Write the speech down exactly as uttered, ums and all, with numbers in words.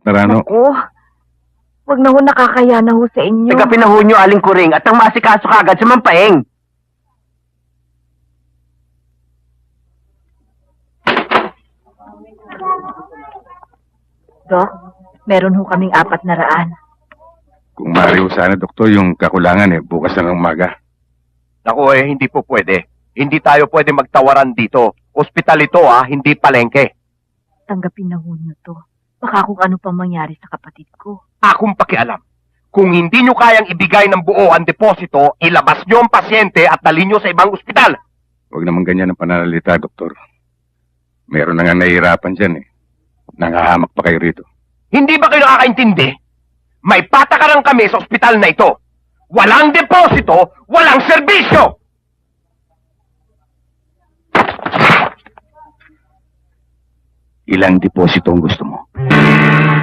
Narano. Naku, wag na ho, nakakaya na ho sa inyo. Taga pinahunyo aling kuring at ang masikaso kagad sa mampaeng. Dok, meron ho kaming apat na raan. Kung mariho sana, doktor, yung kakulangan eh, bukas na ng umaga. Naku eh, hindi po pwede. Hindi tayo pwede magtawaran dito. Ospital ito ah, hindi palengke. Tanggapin na ho niyo to. Baka kung ano pang mangyari sa kapatid ko. Akong pakialam. Kung hindi nyo kayang ibigay ng buo ang deposito, ilabas nyo ang pasyente at dalhin nyo sa ibang ospital. Huwag naman ganyan ang pananalita, doktor. Meron na nga nahihirapan dyan eh. Nangahamak pa kayo rito. Hindi ba kayo nakakaintindi? May patakaran kami sa ospital na ito. Walang deposito, walang serbisyo! Ilang deposito ang gusto mo?